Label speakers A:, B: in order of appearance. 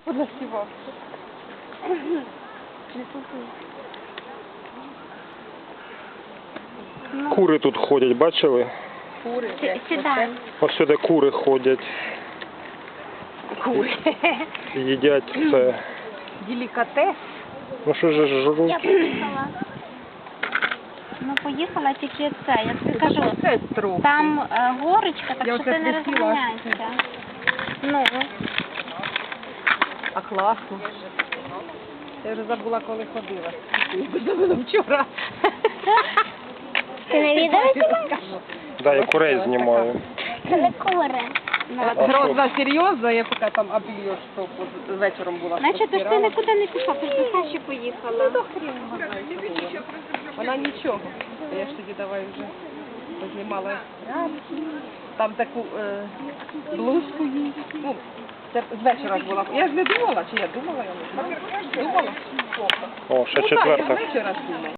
A: понасівався.
B: Кури тут ходять, бачили?
A: Кури.
C: Сідай.
B: Ось сюди кури ходять,
A: Кури.
B: їдять це.
A: Делікатес.
B: Ну що ж
C: Я
B: жруть?
C: поїхала. Ну, поїхала тільки це, я тобі кажу.
A: Це трохи.
C: Там горочка, так
A: Я
C: що
A: оце
C: ти не
A: присіла.
C: розганяйся. Ну,
A: А класно. Я вже забула, коли ходила. Забула вчора.
C: ти не відео знімаєш?
B: Да, я курей знімаю.
C: Це не кури. Ну,
B: А
A: Грозна серйозна, я поки там обільйош, що вечором була.
C: значить, ти ж ти нікуди не пішла, ти ж до Саші поїхала.
A: Вона нічого. Я ж тоді давай вже познімала. Там таку блузку їй. Ну, це з вечора ж була. Я ж не думала, чи я думала, я не знаю. Думала?
B: О, ще
A: Ну так, я з
B: четверта.
A: вечора ж думала.